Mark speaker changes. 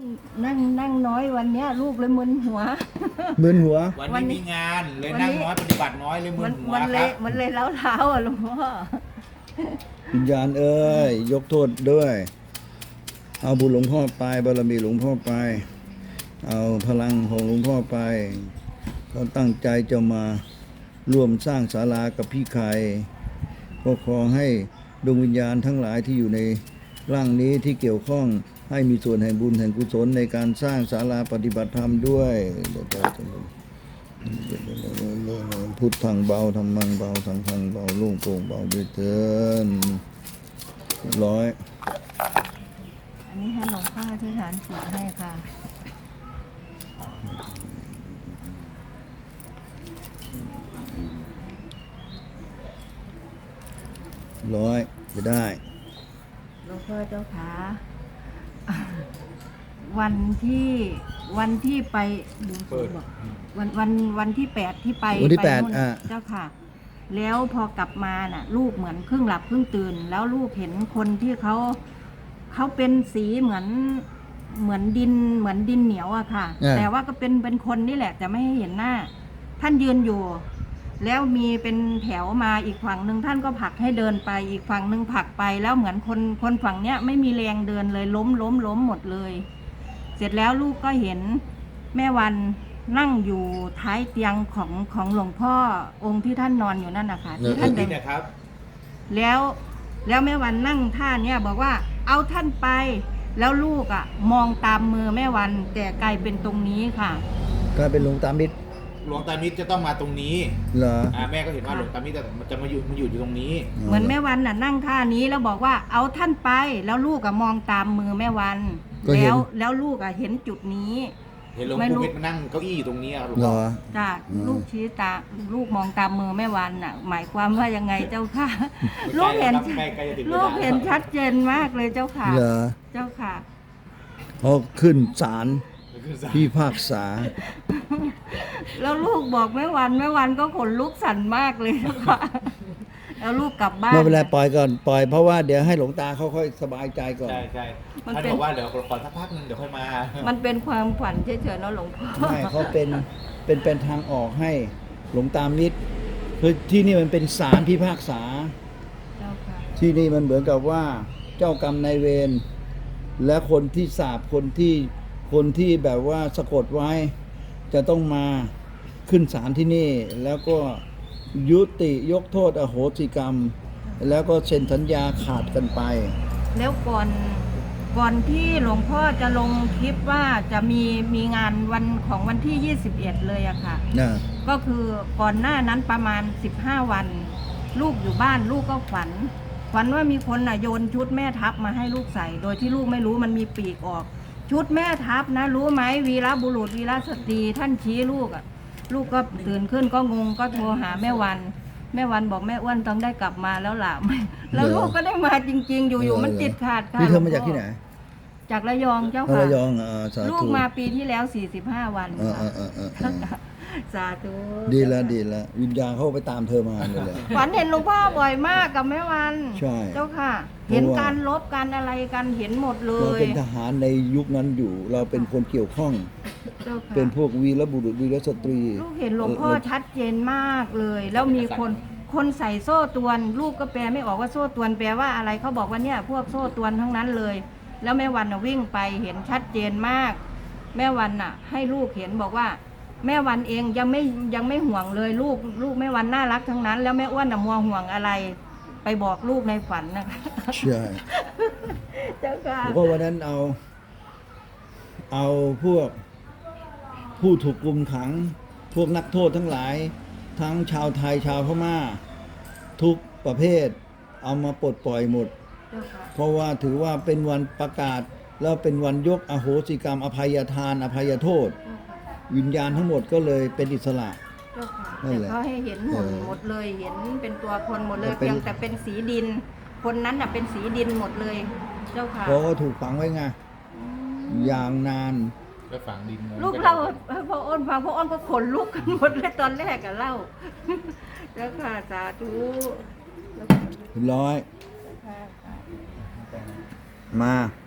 Speaker 1: นั่งน้อยวันเนี้ยลูกเลยมึนหัว
Speaker 2: มึนหัว
Speaker 3: วันนี้มีงานเลยนั่งน้อยปฏิบัติน้อยเลยมึนหัว
Speaker 1: มัน
Speaker 3: ค
Speaker 1: เล
Speaker 3: รั
Speaker 1: ย
Speaker 3: บ
Speaker 1: มันเลยเล้าอ่ะหลวงพ่อ
Speaker 2: วิญญาณเอ้ยยกโทษด้วย เอาบุญหลวงพ่อไปบารมีหลวงพ่อไป เอาพลังของหลวงพ่อไปเขาตั้งใจจะมาร่วมสร้างศาลากับพี่ไข่ก็ขอให้ดวงวิญญาณทั้งหลายที่อยู่ในร่างนี้ที่เกี่ยวข้องให้มีส่วนแห่งบุญแห่งกุศลในการสร้างศาลาปฏิบัติธรรมด้วยพุทธังเบาธรรมังเบาสังฆังเบาโล่งโปร่งเบาด้วยเถิดร้อย
Speaker 1: อันนี้ให้หลวงพ่อที่ฐานศีลให้ค่ะ
Speaker 2: ร้อยจะได้
Speaker 1: หลวงพ่อเจ้าขาวันที่ไปดูสิบอกวันที่8ที่ไป
Speaker 2: วันที่
Speaker 1: ไป
Speaker 2: 8
Speaker 1: นู่นเจ้าค่ะ แล้วพอกลับมาน่ะ ลูกเหมือนครึ่งหลับครึ่งตื่น แล้วลูกเห็นคนที่เขาเป็นสีเหมือนดินเหนียวอะค่ะ แต่ว่าก็เป็นคนนี่แหละแต่ไม่ให้เห็นหน้า ท่านยืนอยู่ แล้วมีเป็นแถวมาอีกฝั่งหนึ่งท่านก็ผลักให้เดินไปอีกฝั่งหนึ่งผลักไปแล้วเหมือนคนฝั่งเนี้ยไม่มีแรงเดินเลยล้มหมดเลย เสร็จแล้วลูกก็เห็นแม่วันนั่งอยู่ท้ายเตียงของหลวงพ่อองค์ที่ท่านนอนอยู่นั่นนะคะที่ท่านเดิน
Speaker 3: นะครับ
Speaker 1: แล้วแม่วันนั่งท่าเนี้ยบอกว่าเอาท่านไป แล้วลูกอ่ะมองตามมือแม่วันแต่กลายเป็นตรงนี้ค่ะ
Speaker 2: ก็เป็นหลวงตามิตร
Speaker 3: หลวงตามิตรจะต้องมาตรงนี้
Speaker 2: เหรอ
Speaker 3: แม่ก็เห็นว่าหลวงตามิตรจะมาอยู่ตรงนี้
Speaker 1: เหมือนแม่วันน่ะนั่งท่านี้แล้วบอกว่าเอาท่านไป แล้วลูกอะมองตามมือแม่วัน แล้วลูกอะเห็นจุดนี้
Speaker 3: เห็นหลวงปู่มิตรมานั่งเก้าอี้อยู่ตรงนี้ครับหลวง
Speaker 2: เหร
Speaker 3: พ่อ
Speaker 2: อ
Speaker 1: จ้ะลูกชี้ตาลูกมองตามมือแม่วันน่ะ หมายความว่ายังไงเจ้าค่ะ ลูกเห็น
Speaker 3: ใกล้จะถึง
Speaker 1: ลูกเห็นชัดเจนมากเลยเจ้าค่ะ
Speaker 2: เหรอ
Speaker 1: เจ้าค่ะ
Speaker 2: พอขึ้นศาลพี่ภาคษา
Speaker 1: แล้วลูกบอกแม่วันก็ขนลุกสั่นมากเลยเจ้าค่ะ แล้วลูกกลับบ้าน
Speaker 2: ไม่เป็นไรปล่อยก่อนปล่อยเพราะว่าเดี๋ยวให้หลวงตาเขาค่อยสบายใจก่อน
Speaker 3: ใช่
Speaker 1: มัน
Speaker 3: ท่าน
Speaker 1: เป็น
Speaker 3: บอกว่าเดี๋ยวขอสักพักนึงเดี๋ยวค่อยมา
Speaker 1: มันเป็นความฝันเฉยๆเนาะหลวงพ่อ
Speaker 2: ไม่เขาเป็นทางออกให้หลวงตามิตรคือที่นี่มันเป็นศาลพิพากษา
Speaker 1: เจ้าค่ะ
Speaker 2: ที่นี่มันเหมือนกับว่าเจ้ากรรมนายเวรและคนที่สาปคนที่แบบว่าสะกดไว้ จะต้องมาขึ้นศาลที่นี่ แล้วก็ยุติยกโทษอโหสิกรรม แล้วก็เซ็นสัญญาขาดกันไป
Speaker 1: แล้วก่อนที่หลวงพ่อจะลงคลิปว่าจะมีงานวันที่ 21 เลยอะค่ะ
Speaker 2: นะ
Speaker 1: ก็คือก่อนหน้านั้นประมาณ15 วัน ลูกอยู่บ้านลูกก็ฝันว่ามีคนน่ะโยนชุดแม่ทัพมาให้ลูกใส่ โดยที่ลูกไม่รู้มันมีปีกออก ชุดแม่ทัพนะรู้ไหมวีรบุรุษวีรสตรีท่านชี้ลูกอะลูกก็ตื่นขึ้นก็งงก็โทรหาแม่วันบอกแม่อ้วนต้องได้กลับมาแล้วล่ะ แล้วลูกก็ได้มาจริงๆ อยู่ๆมันติดขาดค่ะ
Speaker 2: นี่เธอมาจากที่ไหน
Speaker 1: จากระยองเจ้า
Speaker 2: อ๋อ
Speaker 1: ค่ะ
Speaker 2: ระยองสา
Speaker 1: ลู
Speaker 2: ธุ
Speaker 1: กมาปีที่แล้ว45 วันค่ะ สาธุ
Speaker 2: ดีแล้ววิญญาณเขาไปตามเธอมาเลยแหละ
Speaker 1: ฝันเห็นหลวงพ่อบ่อยมากกับแม่วัน
Speaker 2: ใช่
Speaker 1: เจ้าค่ะ เห็นการลบการอะไรกันเห็นหมดเล
Speaker 2: เรา
Speaker 1: ย
Speaker 2: เป็นทหารในยุคนั้นอยู่ เราเป็นคนเกี่ยวข้อง
Speaker 1: เจ้าค่ะ
Speaker 2: เป็นพวกวีรบุรุษวีรสตรี
Speaker 1: ลูกเห็นหลวงพ่อชัดเจนมากเลย แล้วมีคนใส่โซ่ตรวนลูกก็แปลไม่ออกว่าโซ่ตรวนแปลว่าอะไรเขาบอกว่าเนี่ยพวกโซ่ตรวนทั้งนั้นเลย แล้วแม่วันน่ะวิ่งไปเห็นชัดเจนมาก แม่วันน่ะ ให้ลูกเห็นบอกว่า แม่วันเองยังไม่ห่วงเลยลูกแม่วันน่ารักทั้งนั้น แล้วแม่อ้วนน่ะมัวห่วงอะไร ไปบอกลูกในฝันนะคะ
Speaker 2: ใช่
Speaker 1: เจ้าค่ะ
Speaker 2: แล้วก็วันนั้นเอาพวกผู้ถูกกุมขัง พวกนักโทษทั้งหลาย ทั้งชาวไทยชาวพม่า ทุกประเภท เอามาปลดปล่อยหมด
Speaker 1: เจ้าค่ะ
Speaker 2: เพราะว่าถือว่าเป็นวันประกาศ แล้วเป็นวันยกอโหสิกรรม อภัยทาน อภัยโทษ วิญญาณทั้งหมดก็เลยเป็นอิสระ
Speaker 1: เจ้าค่ะ
Speaker 2: นั่น
Speaker 1: แต่
Speaker 2: แหละ
Speaker 1: เขาให้เห็นหุ่นหมดเลยเห็นเป็นตัวคนหมดเลย
Speaker 2: แต่เป็น
Speaker 1: เพียงแต่เป็นสีดิน คนนั้นน่ะเป็นสีดินหมดเลย เจ้าค่ะ
Speaker 2: เพราะก็ถูกฝังไว้ไงอย่างนาน
Speaker 3: ไปฝังดิน
Speaker 1: ลูกเล่าให้พ่ออ้นฟังพ่ออ้นก็ขนลุกกันหมดเลยตอนแรกอะเล่า เจ้าค่ะสาธุ
Speaker 2: ร้อย
Speaker 1: ค่ะ
Speaker 2: มา